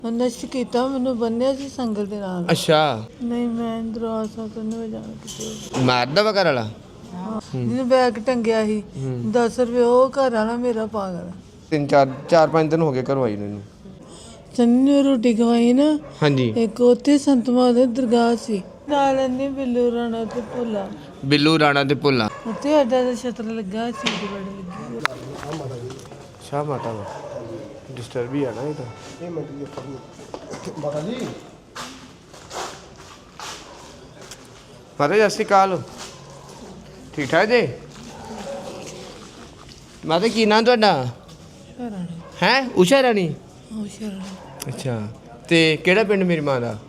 ਨਸ਼ਟ ਕੀਤਾ, ਮੈਨੂੰ ਬੰਨਿਆ ਸੀ ਸੰਗਲ ਦੇ ਨਾਲ। ਅੱਛਾ, ਨਹੀਂ ਮੈਂ ਦਰਵਾਜ਼ਾ ਤੋਂ ਨਹੀਂ ਜਾਣਾ ਕਿਤੇ। ਮਾਰਦਾ ਵਾ ਘਰ ਵਾਲਾ? ਜਿਹਨੇ ਬੈਗ ਟੰਗਿਆ ਸੀ 10 ਰੁਪਏ, ਉਹ ਘਰ ਵਾਲਾ ਮੇਰਾ ਪਾਗਲ। 4-5 ਦਿਨ ਹੋ ਗਏ ਘਰੋਂ ਆਈ ਨੂੰ ਇਹਨੂੰ। ਚੰਨੀ ਨੂੰ ਰੋਟੀ ਖਵਾਈ ਨਾ। ਹਾਂਜੀ। ਇੱਕ ਉੱਥੇ ਸੰਤ ਮਹਾदेव ਦਰਗਾਹ ਸੀ, ਨਾਲ ਇੰਨੀ ਬਿੱਲੂ ਰਾਣਾ ਤੇ ਭੋਲਾ। ਬਿੱਲੂ ਰਾਣਾ ਤੇ ਭੋਲਾ। ਉੱਥੇ ਅੱਡਾ ਦਾ ਛਤਰ ਲੱਗਾ ਸੀ, ਬੜੇ ਲੱਗੀ। ਸ਼ਾਹ ਮਾਤਾ ਵਾ ਡਿਸਟਰਬ ਹੀ ਆ ਨਾ ਇਹ ਤਾਂ। ਇਹ ਮਿੰਟ ਦੀ ਮਾਤਾ ਜੀ। ਮਾਤਾ ਜੀ ਸਤਿ ਸ਼੍ਰੀ ਅਕਾਲ। ਠੀਕ ਠਾਕ ਜੀ? ਮਾਤਾ ਕੀ ਨਾਂ ਤੁਹਾਡਾ? ਹੈ ਉਸ਼ਾ ਰਾਣੀ? ਅੱਛਾ, ਤੇ ਕਿਹੜਾ ਪਿੰਡ ਮੇਰੀ ਮਾਂ ਦਾ?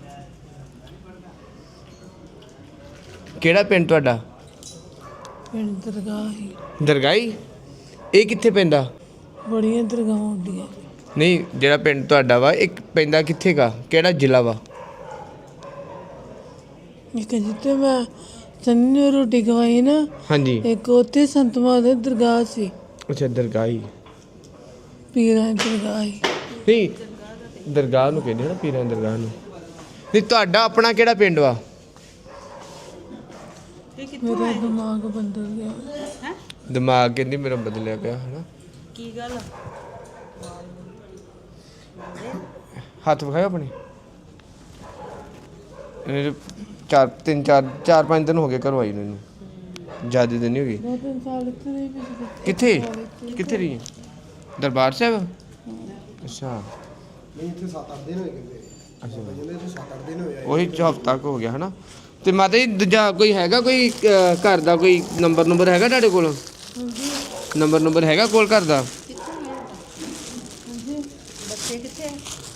ਕਿਹੜਾ ਪਿੰਡ ਤੁਹਾਡਾ? ਪਿੰਡ ਦਰਗਾਹ ਹੀ। ਦਰਗਾਹੀ? ਇਹ ਕਿੱਥੇ ਪੈਂਦਾ? ਬੜੀਆਂ ਦਰਗਾਹਾਂ ਹੁੰਦੀਆਂ। ਨਹੀਂ, ਜਿਹੜਾ ਪਿੰਡ ਤੁਹਾਡਾ ਵਾ ਇੱਕ ਪੈਂਦਾ ਕਿੱਥੇ ਗਾ, ਕਿਹੜਾ ਜ਼ਿਲ੍ਹਾ ਵਾ? ਇੱਕ ਜਿੱਥੇ ਮੈਂ ਚੰਨੀ ਨੂੰ ਰੋਟੀ ਖਵਾਈ ਨਾ। ਹਾਂਜੀ। ਇੱਕ ਉੱਥੇ ਸੰਤ ਮਹਾदेव ਦਰਗਾਹ ਸੀ। ਅੱਛਾ, ਦਰਗਾਹੀ। ਪੀਰਾਂ ਦੀ ਦਰਗਾਹ ਸੀ। ਨਹੀਂ, ਦਰਗਾਹ ਨੂੰ ਕਹਿੰਦੇ ਨਾ, ਪੀਰਾਂ ਦੀ ਦਰਗਾਹ ਨੂੰ। ਨਹੀਂ, ਤੁਹਾਡਾ ਆਪਣਾ ਕਿਹੜਾ ਪਿੰਡ ਵਾ? ਮੇਰਾ ਦਿਮਾਗ ਬਦਲ ਗਿਆ। ਦਿਮਾਗ ਕਹਿੰਦੀ ਮੇਰਾ ਬਦਲਿਆ ਪਿਆ ਹੈ ਨਾ। ਕੀ ਗੱਲ? ਹੱਥ ਵਿਖਾਓ ਆਪਣੇ। ਇਹ 4-5 ਦਿਨ ਹੋ ਗਏ ਘਰੋਂ ਆਈ ਨੂੰ ਇਹਨੂੰ। ਜ਼ਿਆਦਾ ਦਿਨ ਨਹੀਂ ਹੋ ਗਏ। 2-3 ਸਾਲ ਇੱਥੇ ਰਹੀ ਵੀ। ਕਿੱਥੇ ਰਹੀ? ਦਰਬਾਰ ਸਾਹਿਬ? ਅੱਛਾ। ਨਹੀਂ ਇੱਥੇ 7-8 ਦਿਨ ਹੋਏ ਕਹਿੰਦੇ। ਅੱਛਾ, ਕਹਿੰਦੇ ਇੱਥੇ 7-8 ਦਿਨ ਹੋਏ ਆ। ਉਹੀ ਹਫ਼ਤਾ ਕੁ ਹੋ ਗਿਆ ਹੈ ਨਾ। ਤੇ ਮਾਤਾ ਜੀ ਦੂਜਾ ਕੋਈ ਹੈਗਾ, ਕੋਈ ਘਰ ਦਾ ਕੋਈ ਨੰਬਰ ਹੈਗਾ ਤੁਹਾਡੇ ਕੋਲ? ਨੰਬਰ ਹੈਗਾ ਕੋਲ ਘਰ ਦਾ? ਬੱਚੇ ਕਿੱਥੇ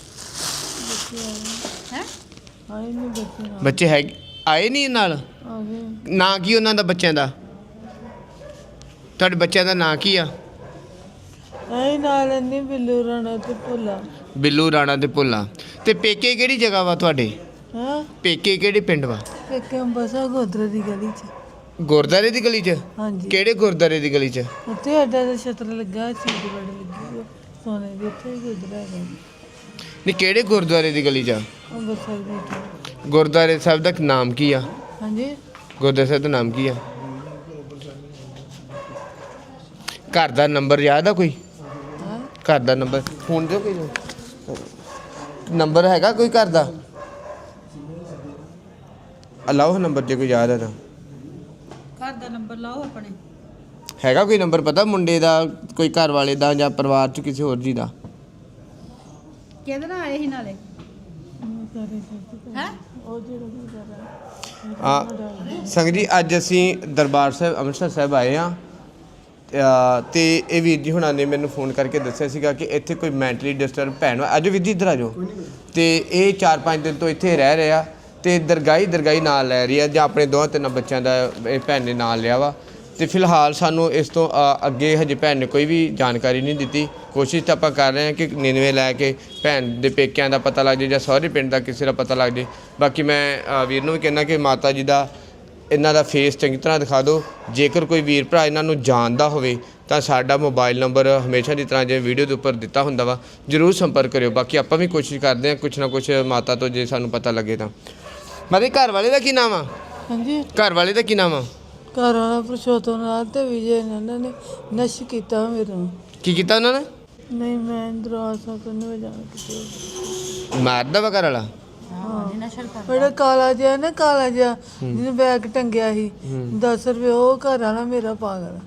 ਹੈ? ਆਏ ਨਹੀਂ ਬੱਚੇ ਨਾਲ। ਬੱਚੇ ਹੈਗੇ ਆਏ ਨਹੀਂ ਨਾਲ? ਆ ਗਏ। ਨਾਂ ਕੀ ਉਹਨਾਂ ਦਾ ਬੱਚਿਆਂ ਦਾ? ਤੁਹਾਡੇ ਬੱਚਿਆਂ ਦਾ ਨਾਂ ਕੀ ਆ? ਆਏ ਨਾਲ ਇੰਨੀ ਬਿੱਲੂ ਰਾਣਾ ਤੇ ਭੋਲਾ। ਬਿੱਲੂ ਰਾਣਾ ਤੇ ਭੋਲਾ। ਤੇ ਪੇਕੇ ਕਿਹੜੀ ਜਗ੍ਹਾ ਵਾ ਤੁਹਾਡੇ? ਹਾਂ, ਪੇਕੇ ਕਿਹੜੇ ਪਿੰਡ ਵਾ? ਇੱਕ ਅੰਬਸਾ ਗੋਦਰੇ ਦੀ ਗਲੀ 'ਚ। ਗੁਰਦਾਰੇ ਦੀ ਗਲੀ 'ਚ? ਹਾਂਜੀ। ਕਿਹੜੇ ਗੁਰਦਾਰੇ ਦੀ ਗਲੀ 'ਚ? ਉੱਥੇ ਅੱਡਾ ਦਾ ਛਤਰ ਲੱਗਾ ਸੀ, ਬੜੇ ਲੱਗੀ। ਸੋਨੇ ਦੇ ਉੱਥੇ ਹੀ ਗੁਦਰਾ ਹੈਗਾ। ਨਹੀਂ, ਕਿਹੜੇ ਗੁਰਦੁਆਰੇ ਦੀ ਗਲੀ 'ਚ? ਅੰਬਰਸਰ ਦੇ। ਗੁਰਦੁਆਰੇ ਸਾਹਿਬ ਦਾ ਨਾਮ ਕੀ ਆ? ਹਾਂਜੀ। ਗੁਰਦੁਆਰੇ ਸਾਹਿਬ ਦਾ ਨਾਮ ਕੀ ਆ? ਘਰ ਦਾ ਨੰਬਰ ਯਾਦ ਆ ਕੋਈ? ਹਾਂ, ਘਰ ਦਾ ਨੰਬਰ ਫੋਨ ਦਿਓ ਕੋਈ ਨੰਬਰ ਹੈਗਾ ਕੋਈ ਘਰ ਦਾ? ਅਲਾਓ ਨੰਬਰ ਜੇ ਕੋਈ ਯਾਦ ਹੈ ਤਾਂ। ਘਰ ਦਾ ਨੰਬਰ ਲਾਓ ਆਪਣੇ। ਹੈਗਾ ਕੋਈ ਨੰਬਰ ਪਤਾ ਮੁੰਡੇ ਦਾ, ਕੋਈ ਘਰ ਵਾਲੇ ਦਾ ਜਾਂ ਪਰਿਵਾਰ ਚ ਕਿਸੇ ਹੋਰ ਜੀ ਦਾ? ਕਿਹਦੇ ਨਾਲ ਆਏ ਸੀ ਨਾਲੇ? ਹੈ ਉਹ ਜਿਹੜਾ ਵੀ ਕਰ ਰਿਹਾ। ਸੰਗਤ ਜੀ, ਅੱਜ ਅਸੀਂ ਦਰਬਾਰ ਸਾਹਿਬ ਅੰਮ੍ਰਿਤਸਰ ਸਾਹਿਬ ਆਏ ਹਾਂ ਤੇ ਇਹ ਵੀਰ ਜੀ ਹੁਣਾਂ ਨੇ ਮੈਨੂੰ ਫੋਨ ਕਰਕੇ ਦੱਸਿਆ ਸੀਗਾ ਕਿ ਇੱਥੇ ਕੋਈ ਮੈਂਟਲੀ ਡਿਸਟਰਬ ਭੈਣ ਵਾ। ਆਜੋ ਵੀਰ ਜੀ ਇੱਧਰ ਆਜੋ। ਤੇ ਇਹ 4-5 ਦਿਨ ਤੋਂ ਇੱਥੇ ਰਹਿ ਰਿਹਾ ਤੇ ਦਰਗਾਹੀ ਨਾਲ ਲੈ ਰਹੀ ਆ, ਜਾਂ ਆਪਣੇ 2-3 ਬੱਚਿਆਂ ਦਾ ਇਹ ਭੈਣ ਨੇ ਨਾਲ ਲਿਆ ਵਾ। ਤੇ ਫਿਲਹਾਲ ਸਾਨੂੰ ਇਸ ਤੋਂ ਅੱਗੇ ਹਜੇ ਭੈਣ ਨੇ ਕੋਈ ਵੀ ਜਾਣਕਾਰੀ ਨਹੀਂ ਦਿੱਤੀ। ਕੋਸ਼ਿਸ਼ ਤਾਂ ਆਪਾਂ ਕਰ ਰਹੇ ਹਾਂ ਕਿ 99 ਲੈ ਕੇ ਭੈਣ ਦੇ ਪੇਕਿਆਂ ਦਾ ਪਤਾ ਲੱਗ ਜਾਏ ਜਾਂ ਸਹੁਰੇ ਪਿੰਡ ਦਾ ਕਿਸੇ ਦਾ ਪਤਾ ਲੱਗ ਜਾਏ। ਬਾਕੀ ਮੈਂ ਵੀਰ ਨੂੰ ਵੀ ਕਹਿੰਦਾ ਕਿ ਮਾਤਾ ਜੀ ਦਾ ਇਹਨਾਂ ਦਾ ਫੇਸ ਚੰਗੀ ਤਰ੍ਹਾਂ ਦਿਖਾ ਦਿਓ। ਜੇਕਰ ਕੋਈ ਵੀਰ ਭਰਾ ਇਹਨਾਂ ਨੂੰ ਜਾਣਦਾ ਹੋਵੇ ਤਾਂ ਸਾਡਾ ਮੋਬਾਈਲ ਨੰਬਰ ਹਮੇਸ਼ਾ ਦੀ ਤਰ੍ਹਾਂ ਜਿਵੇਂ ਵੀਡੀਓ ਦੇ ਉੱਪਰ ਦਿੱਤਾ ਹੁੰਦਾ ਵਾ, ਜ਼ਰੂਰ ਸੰਪਰਕ ਕਰਿਓ। ਬਾਕੀ ਆਪਾਂ ਵੀ ਕੋਸ਼ਿਸ਼ ਕਰਦੇ ਹਾਂ ਕੁਛ ਨਾ ਕੁਛ ਮਾਤਾ ਤੋਂ ਜੇ ਸਾਨੂੰ ਪਤਾ ਲੱਗੇ ਤਾਂ। ਮਾਤਾ ਘਰ ਵਾਲੇ ਦਾ ਕੀ ਨਾਮ ਆ? ਹਾਂਜੀ। ਘਰ ਵਾਲੇ ਦਾ ਕੀ ਨਾਮ ਆ? ਘਰ ਵਾਲਾ ਪੁਰਸ਼ੋਤਮ ਨਾਲ ਤੇ ਵਿਜੇ ਨੇ, ਉਹਨਾਂ ਨੇ ਨਸ਼ਟ ਕੀਤਾ ਮੇਰਾ। ਕੀ ਕੀਤਾ ਉਹਨਾਂ ਨੇ? ਨਹੀਂ ਮੈਂ ਦਰਵਾਜ਼ਾ ਤੋਂ ਨਹੀਂ ਜਾਣਾ ਕਿਤੇ। ਮਾਰਦਾ ਵਾ ਘਰ ਵਾਲਾ? ਬੜਾ ਕਾਲਾ ਜਿਹਾ ਨਾ, ਕਾਲਾ ਜਿਹਾ ਜਿਹਨੇ ਬੈਗ ਟੰਗਿਆ ਸੀ 10 ਰੁਪਏ, ਉਹ ਘਰ ਵਾਲਾ ਮੇਰਾ ਪਾਗਲ।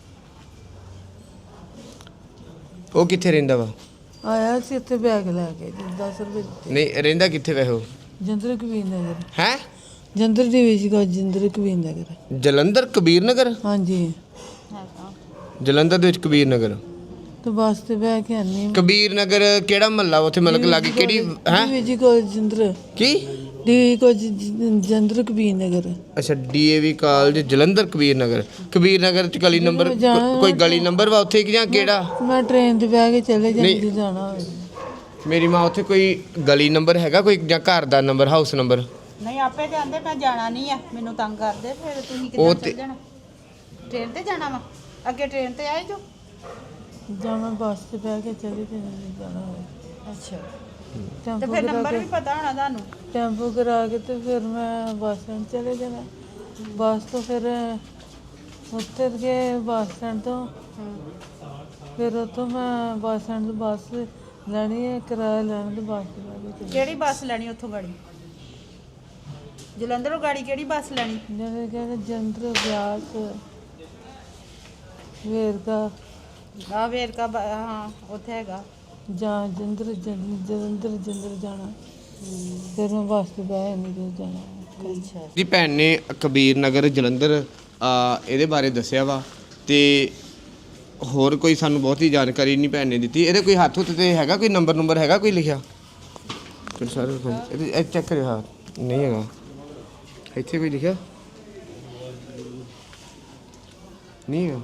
ਉਹ ਕਿੱਥੇ ਰਹਿੰਦਾ ਵਾ? ਆਇਆ ਸੀ ਇੱਥੇ ਬੈਗ ਲੈ ਕੇ 10 ਰੁਪਏ ਦਿੱਤੇ। ਨਹੀਂ, ਰਹਿੰਦਾ ਕਿੱਥੇ ਵੈਸੇ ਉਹ? ਜੰਦਰ ਕਬੀਰ ਨਗਰ। ਹੈ? ਜੰਦਰ ਦੀ ਵਿੱਚ ਕੋ ਜੰਦਰ ਕਬੀਰ ਨਗਰ। ਜਲੰਧਰ ਕਬੀਰ ਨਗਰ? ਹਾਂਜੀ। ਜਲੰਧਰ ਦੇ ਵਿੱਚ ਕਬੀਰ ਨਗਰ? ਤੇ ਬੱਸ ਤੇ ਬਹਿ ਕੇ ਆਨੀ ਕਬੀਰ ਨਗਰ ਕਿਹੜਾ ਮਹੱਲਾ ਉੱਥੇ ਮਤਲਬ ਕਿ ਲਾਗੇ ਕਿਹੜੀ ਹੈ? ਜੀ ਕੋ ਜੰਦਰ ਕੀ ਡੀ ਕੋ ਜੰਦਰ ਕਬੀਰ ਨਗਰ। ਅੱਛਾ, ਡੀਏਵੀ ਕਾਲਜ ਜਲੰਧਰ ਕਬੀਰ ਨਗਰ। ਕਬੀਰ ਨਗਰ ਚ ਗਲੀ ਨੰਬਰ ਕੋਈ ਗਲੀ ਨੰਬਰ ਵਾ ਉੱਥੇ ਕਿ ਜਾਂ ਕਿਹੜਾ? ਮੈਂ ਟ੍ਰੇਨ ਤੇ ਬਹਿ ਕੇ ਚਲੇ ਜਾਂਦੀ ਜਾਣਾ ਹੋਵੇ। ਮੇਰੀ ਮਾਂ ਉੱਥੇ ਕੋਈ ਗਲੀ ਨੰਬਰ ਹੈਗਾ ਕੋਈ ਜਾਂ ਘਰ ਦਾ ਨੰਬਰ, ਹਾਊਸ ਨੰਬਰ? ਨਹੀਂ, ਆਪੇ ਜਾਂਦੇ, ਮੈਂ ਜਾਣਾ ਨਹੀਂ ਆ, ਮੈਨੂੰ ਤੰਗ ਕਰਦੇ। ਫਿਰ ਤੁਸੀਂ ਉਹ ਕਿੱਦਾਂ ਚੱਲ ਜਾਣਾ? ਟ੍ਰੇਨ ਤੇ ਜਾਣਾ ਵਾ? ਅੱਗੇ ਟ੍ਰੇਨ ਤੇ ਆਏ ਜੋ? ਜਾਂ ਮੈਂ ਬੱਸ ਤੇ ਬਹਿ ਕੇ ਚਲੇ ਜਾਂਦੀ ਜਾਣਾ ਹੋਵੇ। ਅੱਛਾ। ਤੇ ਫਿਰ ਨੰਬਰ ਵੀ ਪਤਾ ਹੋਣਾ ਤੁਹਾਨੂੰ। ਟੈਂਪੂ ਕਰਾ ਕੇ ਤੇ ਫਿਰ ਮੈਂ ਬੱਸ ਸਟੈਂਡ ਚਲੇ ਜਾਣਾ। ਬੱਸ ਤੋਂ ਫਿਰ ਉੱਤਰ ਕੇ ਬੱਸ ਸਟੈਂਡ ਤੋਂ ਫਿਰ ਉੱਥੋਂ ਮੈਂ ਬੱਸ ਸਟੈਂਡ ਤੋਂ ਬੱਸ ਲੈਣੀ ਹੈ, ਕਿਰਾਇਆ ਲੈਣ ਤੇ ਬੱਸ ਤੇ ਲੈ ਕੇ ਕਿਹੜੀ ਬੱਸ ਲੈਣੀ ਉੱਥੋਂ ਗਾੜੀ? ਜਲੰਧਰੋਂ ਗਾੜੀ ਕਿਹੜੀ ਬੱਸ ਲੈਣੀ? ਜਿਹੜੇ ਕਹਿੰਦੇ ਜੰਦਰ ਬਿਆਸ ਵੇਰਕਾ ਆ ਵੇਰਕਾ ਹਾਂ ਉੱਥੇ ਹੈਗਾ। ਜਾਂ ਜਲੰਧਰ ਜਾਣਾ। ਫਿਰ ਮੈਂ ਬੱਸ ਤੇ ਬਹਿ ਨਹੀਂ ਜਾਣਾ। ਅੱਛਾ ਦੀ ਭੈਣ ਨੇ ਕਬੀਰ ਨਗਰ ਜਲੰਧਰ ਇਹਦੇ ਬਾਰੇ ਦੱਸਿਆ ਵਾ ਤੇ ਹੋਰ ਕੋਈ ਸਾਨੂੰ ਬਹੁਤੀ ਜਾਣਕਾਰੀ ਨਹੀਂ ਭੈਣ ਨੇ ਦਿੱਤੀ। ਇਹਦੇ ਕੋਈ ਹੱਥ ਹੁੱਥ ਤੇ ਹੈਗਾ ਕੋਈ ਨੰਬਰ ਹੈਗਾ ਕੋਈ ਲਿਖਿਆ? ਫਿਰ ਸਾਰੇ ਇਹ ਚੈੱਕ ਕਰਿਓ। ਹਾਂ ਨਹੀਂ ਹੈਗਾ ਇੱਥੇ ਕੋਈ ਲਿਖਿਆ ਨਹੀਂ ਹੈਗਾ।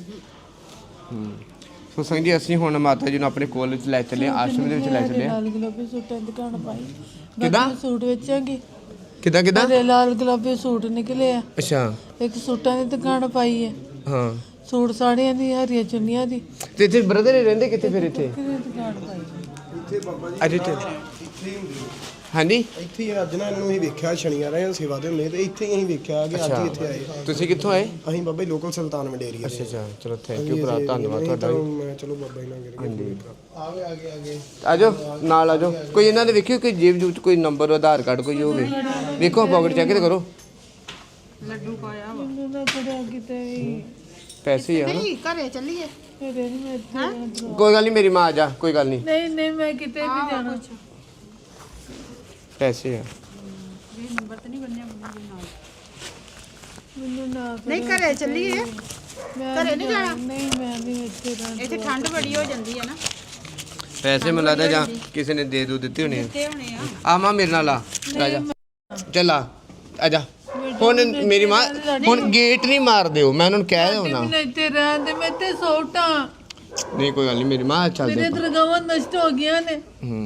ਸੋ ਸੰਗ ਜੀ ਅਸੀਂ ਹੁਣ ਮਾਤਾ ਜੀ ਨੂੰ ਆਪਣੇ ਕੋਲ ਲੈ ਚੱਲੇ, ਆਸ਼ਰਮ ਦੇ ਵਿੱਚ ਲੈ ਚੱਲੇ। ਲਾਲ ਗੁਲਾਬੀ ਸੂਟਾਂ ਦੀ ਦੁਕਾਨ ਪਾਈ। ਕਿੱਦਾਂ? ਸੂਟ ਵੇਚਾਂਗੀ। ਕਿੱਦਾਂ ਮੇਰੇ ਲਾਲ ਗੁਲਾਬੀ ਸੂਟ ਨਿਕਲੇ ਆ। ਅੱਛਾ ਇੱਕ ਸੂਟਾਂ ਦੀ ਦੁਕਾਨ ਪਾਈ ਹੈ। ਹਾਂ ਸੂਟ ਸਾੜੀਆਂ ਦੀ, ਹਰੀਆਂ ਚੁੰਨੀਆਂ ਦੀ ਤੇ ਇੱਥੇ ਬ੍ਰਦਰ ਰਹਿੰਦੇ ਕਿੱਥੇ ਫਿਰ ਇੱਥੇ? ਕਿਹਦੀ ਦੁਕਾਨ ਪਾਈ? ਇੱਥੇ ਬਾਬਾ ਜੀ ਅੱਜ ਇੱਥੇ ਇੱਥੇ ਹੀ ਹੁੰਦੀ ਹੈ। ਹਾਂਜੀ ਇੱਥੇ ਹੀ ਅੱਜ ਨਾ ਇਹਨੂੰ ਅਸੀਂ ਵੇਖਿਆ ਸ਼ਨੀਵਾਰ ਰਹੇ ਸੇਵਾ ਦੇ ਹੁੰਦੇ ਤੇ ਇੱਥੇ ਹੀ ਅਸੀਂ ਵੇਖਿਆ ਕਿ ਅੱਜ ਹੀ ਇੱਥੇ ਆਏ। ਤੁਸੀਂ ਕਿੱਥੋਂ ਆਏ? ਅਸੀਂ ਬਾਬਾ ਜੀ ਲੋਕਲ ਸੁਲਤਾਨ ਮੰਡੇਰੀਆ ਦੇ। ਅੱਛਾ ਚਲੋ ਥੈਂਕ ਯੂ ਭਰਾ, ਧੰਨਵਾਦ ਤੁਹਾਡਾ ਵੀ। ਮੈਂ ਚਲੋ ਬਾਬਾ ਜੀ ਨਾਲ ਆਗੇ ਆਜੋ ਨਾਲ ਆਜੋ। ਕੋਈ ਇਹਨਾਂ ਦੇ ਵੇਖਿਓ ਕੋਈ ਜੇਬ ਜੂਬ ਚ ਕੋਈ ਨੰਬਰ ਆਧਾਰ ਕਾਰਡ ਕੋਈ ਹੋਵੇ, ਵੇਖੋ ਪਾਕਟ ਚੈੱਕ ਤੇ ਕਰੋ। ਲੱਡੂ ਪਾਇਆ ਵਾ। ਮੈਨੂੰ ਨਾ ਪੜਿਆ ਕਿਤੇ ਵੀ। ਪੈਸੇ ਹੀ ਆ ਨਾ। ਨਹੀਂ ਘਰੇ ਚੱਲੀਏ। ਫਿਰ ਨਹੀਂ ਮੈਂ ਇੱਥੇ ਰਹਿਣਾ। ਕੋਈ ਗੱਲ ਨਹੀਂ ਮੇਰੀ ਮਾਂ ਆ ਜਾ, ਕੋਈ ਗੱਲ ਨਹੀਂ। ਨਹੀਂ ਮੈਂ ਕਿਤੇ ਵੀ ਜਾਣਾ। ਪੈਸੇ ਆ ਇਹ ਨੰਬਰ ਤੇ ਨਹੀਂ ਬੰਨਿਆ ਮੰਮੀ ਦੇ ਨਾਲ। ਮੈਨੂੰ ਨਾ ਨਹੀਂ ਘਰੇ ਚੱਲੀਏ। ਮੈਂ ਘਰੇ ਨਹੀਂ ਜਾਣਾ? ਨਹੀਂ ਮੈਂ ਨਹੀਂ ਇੱਥੇ ਰਹਿਣਾ। ਇੱਥੇ ਠੰਡ ਬੜੀ ਹੋ ਜਾਂਦੀ ਹੈ ਨਾ। ਪੈਸੇ ਮੈਨੂੰ ਲੱਗਦਾ ਜਾਂ ਕਿਸੇ ਨੇ ਦੇ ਦੋ ਦਿੱਤੇ ਹੋਣੇ ਦਿੱਤੇ ਹੋਣੇ ਆ। ਆ ਮਾਂ ਮੇਰੇ ਨਾਲ ਆ ਜਾ ਚੱਲ ਆ ਜਾ। ਹੁਣ ਮੇਰੀ ਮਾਂ ਹੁਣ ਗੇਟ ਨਹੀਂ ਮਾਰ ਦਿਓ, ਮੈਂ ਉਹਨਾਂ ਨੂੰ ਕਹਿ ਦਿਓ ਮੈਂ ਇੱਥੇ ਰਹਿਣ ਦੇ। ਮੈਂ ਇੱਥੇ ਸੌਟਾਂ। ਨਹੀਂ ਕੋਈ ਗੱਲ ਨਹੀਂ ਮੇਰੀ ਮਾਂ ਚੱਲ ਮੇਰੇ ਦੇ। ਦਰਗਾਹਾਂ ਨਸ਼ਟ ਹੋ ਗਈਆਂ ਨੇ।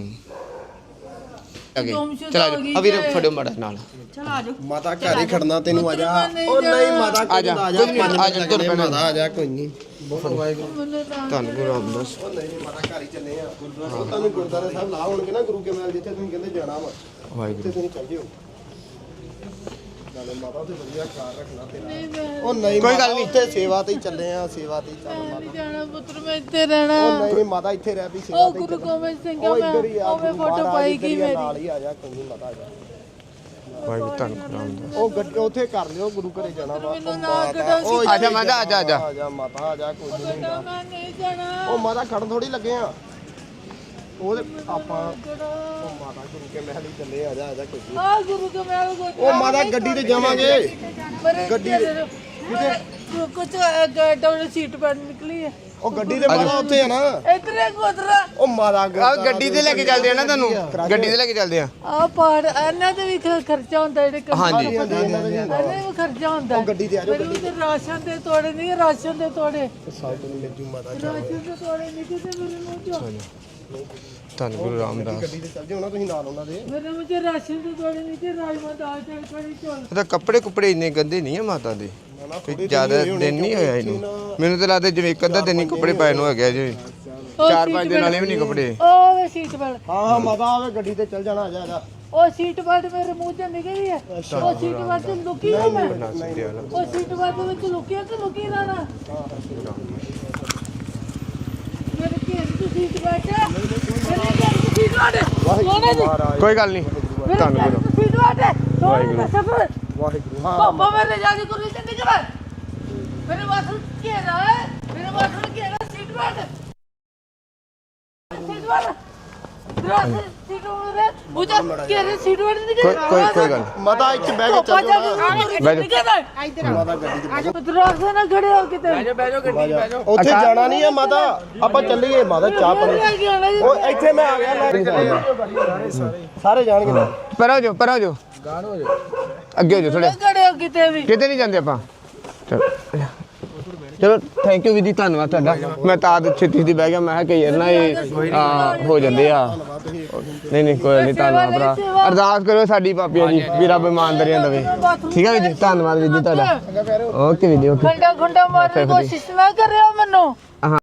ਅਗੇ ਗੁੰਮਸ਼ੁਦਾ ਚਲ ਹੋ ਗਈ ਆ ਵੀਰ ਜੇ। ਫੜਿਓ ਮਾੜਾ ਨਾਲ। ਚਲ ਆ ਜਾਓ। ਮਾਤਾ ਘਰ ਹੀ ਖੜਨਾ ਤੈਨੂੰ ਆ ਜਾ। ਨਹੀਂ ਉਹ ਨਹੀਂ ਮਾਤਾ ਆ ਜਾ, ਆ ਜਾ ਕੋਈ ਨੀ, ਆ ਜਾ, ਤੁਰ ਪੈਣਾ। ਮਾਤਾ ਆ ਜਾ ਕੋਈ ਨਹੀਂ। ਬਹੁਤ ਵਾਹਿਗੁਰੂ। ਮੈਨੂੰ ਤਾਂ ਧੰਨ ਗੁਰੂ ਰਾਮਦਾਸ। ਉਹ ਨਹੀਂ ਮਾਤਾ ਘਰ ਹੀ ਚੱਲੇ ਆ। ਤੁਹਾਨੂੰ ਗੁਰਦੁਆਰਾ ਸਾਹਿਬ ਲਾ ਹੋਣਗੇ ਨਾ ਗੁਰੂ ਕੇ ਮਹਿਲ ਜਿੱਥੇ ਤੁਸੀਂ ਕਹਿੰਦੇ ਜਾਣਾ ਵਾ ਵਾਹਿਗੁਰੂ ਉੱਥੇ ਤੁਸੀਂ ਚੱਲ ਜਿਓ। ਨਾਲੇ ਮਾਤਾ ਤੇ ਵਧੀਆ ਖਿਆਲ ਰੱਖਣਾ ਤੇਰਾ। ਨਹੀਂ ਮੈਂ ਉਹ ਨਹੀਂ ਕੋਈ ਗੱਲ ਮਾਤਾ, ਨਹੀਂ। ਉੱਥੇ ਸੇਵਾ ਤੇ ਹੀ ਚੱਲੇ ਆ, ਸੇਵਾ ਤੇ ਹੀ ਚੱਲ ਮਾਤਾ। ਨਹੀਂ ਜਾਣਾ ਪੁੱਤਰ, ਮੈਂ ਇੱਥੇ ਰਹਿਣਾ। ਉਹ ਨਹੀਂ ਮਾਤਾ ਇੱਥੇ ਰਹਿ ਵੀ ਸੇਵਾ ਉਹ ਤੇ ਹੀ ਗੁਰੂ ਚੱਲ। ਗੋਬਿੰਦ ਸਿੰਘ ਉਹ ਮੈਂ ਇੱਧਰ ਹੀ ਆ, ਉਹਵੇਂ ਗੁਰੂ ਫੋਟੋ ਮਹਾਰਾਜ ਪਾਈ ਇੱਧਰ ਗਈ ਹੀ ਆ, ਮੇਰੀ। ਨਾਲ ਹੀ ਆ ਜਾ ਕੋਈ ਨਹੀਂ ਮਾਤਾ ਆ ਜਾ। ਵਾਹਿਗੁਰੂ ਧੰਨ ਗੁਰੂ ਰਾਮਦਾਸ। ਉਹ ਗੱਡੀ ਉੱਥੇ ਕਰ ਲਿਓ, ਗੁਰੂ ਘਰੇ ਜਾਣਾ ਵਾ। ਮੈਨੂੰ ਉਹ ਨਾ ਮਾਤਾ, ਕੱਢੋ। ਉਹ ਆ ਜਾ ਮਾਤਾ, ਆ ਜਾ, ਆ ਜਾ। ਆ ਜਾ ਮਾਤਾ ਆ ਜਾ ਕੋਈ ਨਹੀਂ ਹੁੰਦਾ। ਮੈਂ ਨਹੀਂ ਜਾਣਾ। ਉਹ ਮਾਤਾ ਖੜਨ ਥੋੜੀ ਲੱਗੇ ਆ। ਉਹਦੇ ਆਪਾਂ ਉਹ ਮਾਤਾ ਗੁਰੂ ਕੇ ਮਹਿਲ ਹੀ ਚੱਲੇ ਆ ਜਾ ਕੋਈ ਨਹੀਂ। ਆ ਗੁਰੂ ਕੇ ਮਹਿਲ ਕੋ ਉਹ ਮਾਤਾ ਗੱਡੀ ਤੇ ਜਾਵਾਂਗੇ। ਗੱਡੀ ਕੁਝ ਡਬਲ ਸੀਟ ਪਰ ਨਿਕਲੀ ਹੈ। ਉਹ ਗੱਡੀ ਤੇ ਮਾਤਾ ਉੱਥੇ ਆ ਨਾ। ਇਤਰੇ ਕੋਤਰਾ ਉਹ ਮਾਤਾ ਆ ਗੱਡੀ ਤੇ ਲੈ ਕੇ ਚੱਲਦੇ ਆ ਨਾ ਤੁਹਾਨੂੰ, ਗੱਡੀ ਤੇ ਲੈ ਕੇ ਚੱਲਦੇ ਆ। ਆ ਪਾੜ ਇਹਨਾਂ ਦੇ ਵੀ ਖਰਚਾ ਹੁੰਦਾ ਜਿਹੜੇ ਹਾਂਜੀ। ਇਹਨਾਂ ਵੀ ਖਰਚਾ ਹੁੰਦਾ। ਉਹ ਗੱਡੀ ਤੇ ਆ ਜਾਓ, ਮੈਨੂੰ ਤੇ ਰਾਸ਼ਨ ਦੇ ਤੋੜੇ ਨਹੀਂ, ਰਾਸ਼ਨ ਦੇ ਤੋੜੇ। ਸਾਈਡ ਨੂੰ ਮਿਲ ਜੂ ਮਾਤਾ ਰਾਸ਼ਨ ਦੇ ਤੋੜੇ ਨਹੀਂ ਕਿਤੇ ਮੇਰੇ ਮੂੰਹ ਚੋਂ। ਧੰਨ ਗੁਰੂ ਰਾਮਦਾਸ। ਗੱਡੀ ਤੇ ਚੱਲ ਜਿਓ ਨਾ ਤੁਸੀਂ ਨਾਲ ਉਹਨਾਂ ਦੇ। ਮੇਰੇ ਮੂੰਹ ਚ ਰਾਸ਼ਨ ਦੇ ਤੋੜੇ ਨਹੀਂ ਤੇ ਰਾਜਮਾ ਦਾਲ ਚਾਵਲ ਕੜੀ ਚੌਲ। ਉਹਦਾ ਕੱਪੜੇ ਕੁਪੜੇ ਇੰਨੇ ਗੰਦੇ ਨਹੀਂ ਆ ਮਾਤਾ ਦੇ, ਕੋਈ ਜ਼ਿਆਦਾ ਦਿਨ ਨਹੀਂ ਹੋਇਆ ਇਹਨੂੰ। ਮੈਨੂੰ ਤਾਂ ਲੱਗਦਾ ਜਿਵੇਂ ਇੱਕ ਅੱਧਾ ਦਿਨ ਹੀ ਕੱਪੜੇ ਪਾਏ ਨੂੰ ਹੋ ਗਿਆ ਜੀ। 4-5 ਦਿਨ ਵਾਲੇ ਵੀ ਨਹੀਂ ਕੱਪੜੇ। ਉਹ ਵੇ ਸੀਟ ਬੈਲਟ। ਹਾਂ ਮਾਤਾ ਆਵੇ ਗੱਡੀ ਤੇ ਚੱਲ ਜਾਣਾ ਆ ਜਾ ਆ ਜਾ। ਉਹ ਸੀਟ ਬੈਲਟ ਮੇਰੇ ਮੂੰਹ ਚ ਨਿਕਲੀ ਹੈ। ਉਹ ਸੀਟ ਬੈਲਟ ਚ ਲੁਕੀ ਹੈ ਮੈਂ। ਉਹ ਸੀਟ ਬੈਲਟ ਵਿੱਚ ਲੁਕਿਆ ਕਿ ਲੁਕੀ ਰਹਿਣਾ। ਮੇਰੇ ਘੇਰ ਚ ਸੀਟ ਬੈਲਟ ਹੈ। ਮੇਰੇ ਘੇਰ ਚ ਸੀਟ ਬੈਲਟ ਹੈ। ਸੋਨੇ ਦੀ ਕੋਈ ਗੱਲ ਨਹੀਂ। ਮੇਰੇ ਧੰਨ ਘੇਰ ਗੁਰੂ। ਚ ਸੀਟ ਬੈਲਟ ਹੈ। ਸੋਨੇ ਦਾ ਸਫਰ। ਵਾਹਿਗੁਰੂ। ਹਾਂ ਪਾਪਾ ਮੇਰੇ ਜਾਦੀ ਕੋਲ ਤੇ ਨਿਕਲ। ਮੇਰੇ ਵਾਸਤੇ ਘੇਰਾ ਹੈ। ਮੇਰੇ ਵਾਸਤੇ ਘੇਰਾ ਸੀਟ ਬੈਲਟ। Seat belt. ਦਰਾਸ ਸੀਟ ਬੈਲਟ। ਬੁਝਾ ਘੇਰੇ ਸੀਟ ਬੈਲਟ ਨਿਕਲ। ਕੋਈ ਗੱਲ ਨਹੀਂ। ਮਾਤਾ ਇੱਥੇ ਬਹਿ ਕੇ ਚੱਲ ਜਾਓ ਨਾ। ਇੱਧਰ ਮਾਤਾ ਗੱਡੀ ਤੇ ਦਰਾਸ ਨਾ ਖੜੇ ਹੋ ਕਿਤੇ। ਉੱਥੇ ਜਾਣਾ ਨਹੀਂ ਹੈ ਮਾਤਾ, ਆਪਾਂ ਚੱਲੀਏ ਮਾਤਾ ਚਾਹ ਪਾਣੀ। ਉਹ ਇੱਥੇ ਮੈਂ ਆ ਗਿਆ ਲੈ ਸਾਰੇ ਜਾਣਗੇ ਨਾ। ਪਰ ਹੋ ਜਾਓ ਅੱਗੇ ਹੋ ਜਾਓ ਥੋੜੇ। ਖੜੇ ਹੋ ਕਿਤੇ ਵੀ। ਕਿਤੇ ਨਹੀਂ ਜਾਂਦੇ ਆਪਾਂ। ਚਲੋ ਥੈਂਕ ਯੂ ਵੀਦੀ, ਧੰਨਵਾਦ ਤੁਹਾਡਾ। ਮੈਂ ਤਾਂ ਛੇਤੀ ਦੀ ਬਹਿ ਗਿਆ, ਮੈਂ ਕਿਹਾ ਕਈ ਵਾਰ ਨਾ ਇਹ ਹੋ ਜਾਂਦੇ ਆ। ਨਹੀਂ ਕੋਈ ਨਹੀਂ, ਧੰਨਵਾਦ ਭਰਾ। ਅਰਦਾਸ ਕਰੋ ਸਾਡੀ ਪਾਪੀਆਂ ਜੀ ਵੀ ਰੱਬ ਇਮਾਨਦਾਰੀਆਂ ਦੇਵੇ। ਠੀਕ ਹੈ ਵੀਰ ਜੀ, ਧੰਨਵਾਦ ਵੀਰ ਜੀ ਤੁਹਾਡਾ। ਓਕੇ ਵੀਰ ਜੀ, ਓਕੇ। ਖੰਡਾ ਮਾਰਨ ਦੀ ਕੋਸ਼ਿਸ਼ ਨਾ ਕਰਿਓ ਮੈਨੂੰ।